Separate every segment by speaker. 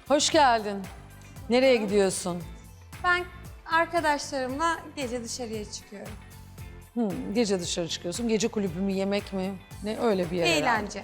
Speaker 1: Hoş geldin. Nereye gidiyorsun?
Speaker 2: Ben arkadaşlarımla gece dışarıya çıkıyorum.
Speaker 1: Gece dışarı çıkıyorsun. Gece kulübü mü, yemek mi? Ne öyle bir yer herhalde.
Speaker 2: Eğlence.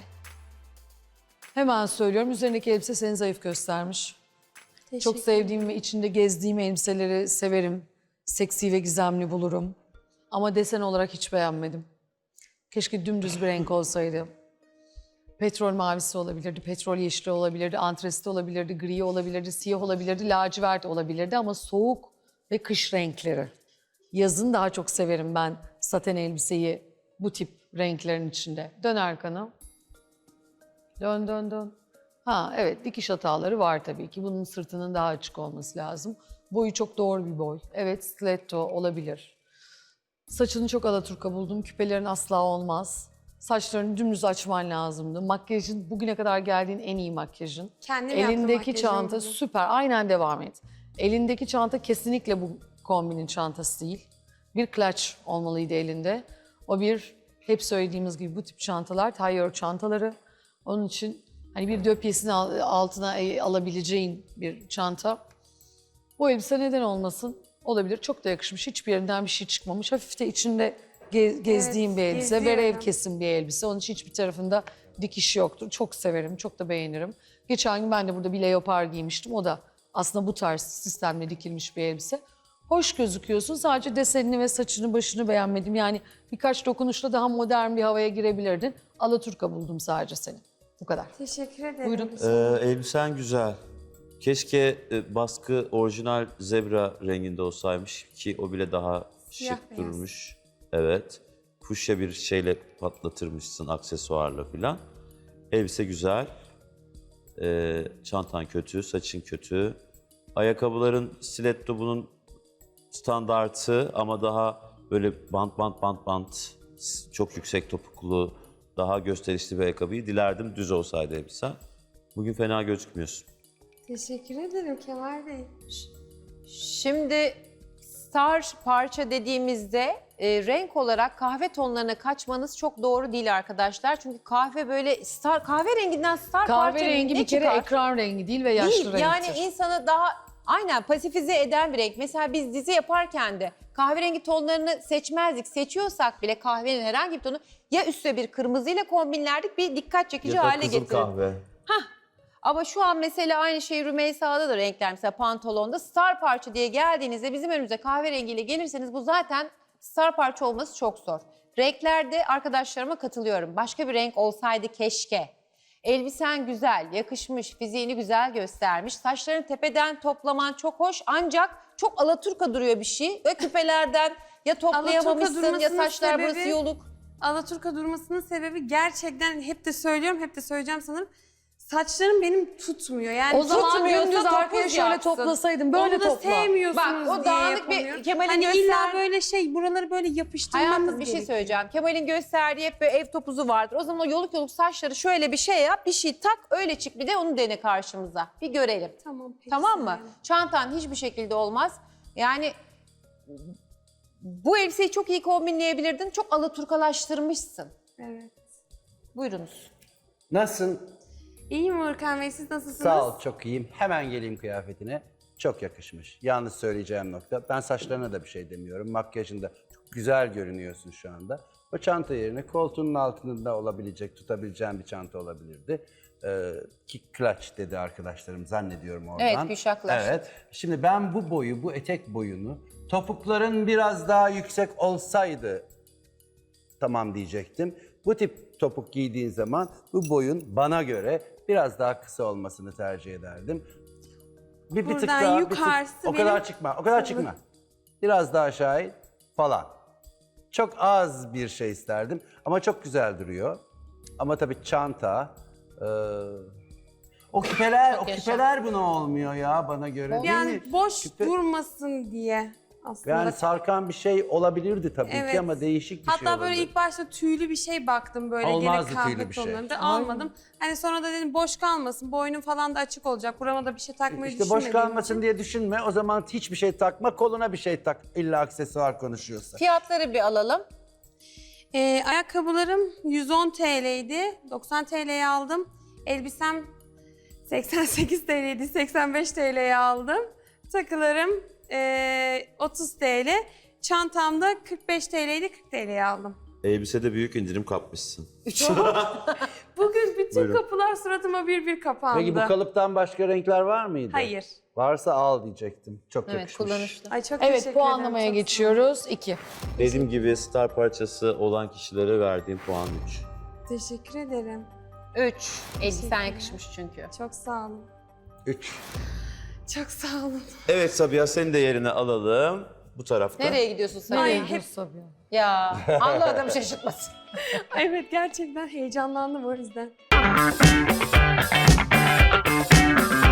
Speaker 1: Hemen söylüyorum. Üzerindeki elbise seni zayıf göstermiş. Çok
Speaker 2: Teşekkür
Speaker 1: sevdiğim ve içinde gezdiğim elbiseleri severim. Seksi ve gizemli bulurum. Ama desen olarak hiç beğenmedim. Keşke dümdüz bir renk olsaydı. Petrol mavisi olabilirdi, petrol yeşili olabilirdi, antresit olabilirdi, gri olabilirdi, siyah olabilirdi, lacivert olabilirdi ama soğuk ve kış renkleri. Yazın daha çok severim ben saten elbiseyi bu tip renklerin içinde. Dön arkanı. Dön, dön, dön. Ha evet, dikiş hataları var tabii ki. Bunun sırtının daha açık olması lazım. Boyu çok doğru bir boy. Evet, stiletto olabilir. Saçını çok alaturka buldum. Küpelerin asla olmaz. Saçlarını dümdüz açman lazımdı. Makyajın bugüne kadar geldiğin en iyi makyajın.
Speaker 2: Kendim yaptım
Speaker 1: Elindeki
Speaker 2: makyajımı
Speaker 1: çanta
Speaker 2: bugün.
Speaker 1: süper. Aynen devam et. Elindeki çanta kesinlikle bu kombinin çantası değil. Bir clutch olmalıydı elinde. O bir hep söylediğimiz gibi bu tip çantalar tailleur çantaları. Onun için hani bir döpyesini altına alabileceğin bir çanta. Bu elbise neden olmasın? Olabilir. Çok da yakışmış. Hiçbir yerinden bir şey çıkmamış. Hafif de içinde gezdiğim bir elbise.
Speaker 2: geziyorum.
Speaker 1: Verev kesim bir elbise. Onun için hiçbir tarafında dikiş yoktur. Çok severim. Çok da beğenirim. Geçen gün ben de burada bir leopar giymiştim. O da aslında bu tarz sistemle dikilmiş bir elbise. Hoş gözüküyorsun. Sadece desenini ve saçını başını beğenmedim. Yani birkaç dokunuşla daha modern bir havaya girebilirdin. Alaturka buldum sadece seni. Bu kadar.
Speaker 2: Teşekkür ederim.
Speaker 1: Buyurun.
Speaker 3: Elbisen güzel. Keşke baskı orijinal zebra renginde olsaymış ki o bile daha
Speaker 2: Siyah
Speaker 3: şık
Speaker 2: beyaz.
Speaker 3: durmuş. Evet. Kuşya bir şeyle patlatırmışsın aksesuarla filan. Elbise güzel. Çantan kötü, saçın kötü. Ayakkabıların stiletto bunun standartı ama daha böyle bant çok yüksek topuklu, daha gösterişli bir ayakkabıyı dilerdim düz olsaydı elbisen. Bugün fena gözükmüyorsun.
Speaker 2: Teşekkür ederim Kemal Bey.
Speaker 4: Şimdi star parça dediğimizde renk olarak kahve tonlarına kaçmanız çok doğru değil arkadaşlar. Çünkü kahve böyle star kahverenginden star parça
Speaker 1: Kahverengi
Speaker 4: ne
Speaker 1: bir kere
Speaker 4: çıkar?
Speaker 1: ekran rengi değil ve yaşlı
Speaker 4: Değil.
Speaker 1: renktir.
Speaker 4: Yani insanı daha aynen pasifize eden bir renk. Mesela biz dizi yaparken de kahverengi tonlarını seçmezdik. Seçiyorsak bile kahvenin herhangi bir tonu ya üstüne bir kırmızıyla kombinlerdik bir dikkat çekici
Speaker 3: Ya da
Speaker 4: hale
Speaker 3: kızıl
Speaker 4: getirir.
Speaker 3: kahve.
Speaker 4: Ama şu an mesela aynı şey Rümeysa'da da renkler mesela pantolonda star parça diye geldiğinizde bizim önümüze kahverengiyle gelirseniz bu zaten star parça olması çok zor. Renklerde arkadaşlarıma katılıyorum. Başka bir renk olsaydı keşke. Elbisen güzel, yakışmış, fiziğini güzel göstermiş. Saçlarını tepeden toplaman çok hoş ancak çok alaturka duruyor bir şey. Ve küpelerden ya toplayamamışsın ya
Speaker 2: durmasının
Speaker 4: saçlar burası
Speaker 2: sebebi-
Speaker 4: yoluk.
Speaker 2: Alaturka durmasının sebebi gerçekten hep de söylüyorum, hep de söyleyeceğim sanırım. Saçlarım benim tutmuyor. Yani
Speaker 1: O zaman
Speaker 4: tutmuyorsa
Speaker 1: dümdüz arkaya
Speaker 4: topuz
Speaker 1: şöyle
Speaker 4: yapsın.
Speaker 1: toplasaydın böyle
Speaker 2: onu da
Speaker 1: topla.
Speaker 2: sevmiyorsunuz
Speaker 4: Bak, o
Speaker 2: diye
Speaker 4: dağınık bir
Speaker 2: yapamıyorum.
Speaker 4: Kemal'in
Speaker 2: Hani
Speaker 4: göster-
Speaker 2: illa böyle buraları böyle yapıştırmamız
Speaker 4: Hayatım bir şey
Speaker 2: gerekiyor.
Speaker 4: söyleyeceğim. Kemal'in gösterdiği hep böyle ev topuzu vardır. O zaman o yoluk yoluk saçları şöyle bir şey yap, bir şey tak, öyle çık bir de onu dene karşımıza. Bir görelim.
Speaker 2: Tamam, peki,
Speaker 4: Tamam mı?
Speaker 2: Seval.
Speaker 4: Çantan hiçbir şekilde olmaz. Yani bu elbiseyi çok iyi kombinleyebilirdin. Çok alaturkalaştırmışsın.
Speaker 2: Evet.
Speaker 4: Buyurunuz.
Speaker 5: Nasılsın?
Speaker 2: İyiyim Urkan Bey, siz nasılsınız?
Speaker 5: Sağ ol, çok iyiyim. Hemen geleyim kıyafetine. Çok yakışmış. Yalnız söyleyeceğim nokta, ben saçlarına da bir şey demiyorum. Makyajında çok güzel görünüyorsun şu anda. O çanta yerine koltuğunun altında olabilecek, tutabileceğin bir çanta olabilirdi. Ki clutch dedi arkadaşlarım zannediyorum oradan.
Speaker 4: Evet, Gülşah clutch.
Speaker 5: Evet. Şimdi ben bu boyu, bu etek boyunu, topukların biraz daha yüksek olsaydı tamam diyecektim. Bu tip topuk giydiğin zaman bu boyun bana göre biraz daha kısa olmasını tercih ederdim. Bir tık
Speaker 2: Buradan
Speaker 5: daha,
Speaker 2: yukarısı
Speaker 5: o kadar
Speaker 2: benim-
Speaker 5: çıkma, o kadar çıkma. Biraz daha aşağı in falan. Çok az bir şey isterdim ama çok güzel duruyor. Ama tabii çanta, o küpeler buna olmuyor ya bana göre değil
Speaker 2: Yani
Speaker 5: mi?
Speaker 2: boş
Speaker 5: Küpe-
Speaker 2: durmasın diye aslında.
Speaker 5: Yani sarkan bir şey olabilirdi tabii
Speaker 2: Evet.
Speaker 5: ki ama değişik bir şey
Speaker 2: Hatta böyle
Speaker 5: olurdu.
Speaker 2: ilk başta tüylü bir şey baktım böyle
Speaker 5: Olmazdı
Speaker 2: gene kahve
Speaker 5: tüylü bir şey.
Speaker 2: tonlarında almadım. Hani sonra da dedim boş kalmasın, boynum falan da açık olacak. Burama da bir şey takmayı
Speaker 5: İşte boş
Speaker 2: düşünmediğim
Speaker 5: kalmasın
Speaker 2: için.
Speaker 5: diye düşünme. O zaman hiçbir şey takma, koluna bir şey tak. İlla aksesuar konuşuyorsa.
Speaker 4: Fiyatları bir alalım.
Speaker 2: Ayakkabılarım 110 TL'ydi. 90 TL'ye aldım. Elbisem 88 TL'ydi, 85 TL'ye aldım. Takılarım 30 TL. Çantamda 45 TL'ydi, 40 TL'ye aldım.
Speaker 3: Elbisede büyük indirim kapmışsın.
Speaker 2: Bugün bütün
Speaker 3: Buyurun.
Speaker 2: kapılar suratıma bir kapandı.
Speaker 5: Peki bu kalıptan başka renkler var mıydı?
Speaker 2: Hayır.
Speaker 5: Varsa al diyecektim. Çok
Speaker 4: Evet,
Speaker 5: yakışmış.
Speaker 4: kullanışlı.
Speaker 2: Ay çok
Speaker 1: Evet,
Speaker 2: teşekkür ederim.
Speaker 1: puanlamaya
Speaker 2: çok sağ ol.
Speaker 1: geçiyoruz. 2.
Speaker 3: Dediğim gibi star parçası olan kişilere verdiğim puan 3.
Speaker 2: Teşekkür ederim.
Speaker 4: 3. Elbisen yakışmış çünkü.
Speaker 2: Çok sağ olun.
Speaker 5: 3.
Speaker 2: Çok sağ olun.
Speaker 3: Evet Sabiha, seni de yerine alalım. Bu tarafta.
Speaker 4: Nereye gidiyorsun sen?
Speaker 2: Ay,
Speaker 1: Hep
Speaker 2: hep-
Speaker 1: Sabiha.
Speaker 4: Ya Allah adamı şaşırtmasın.
Speaker 2: Evet, gerçekten heyecanlandım o yüzden.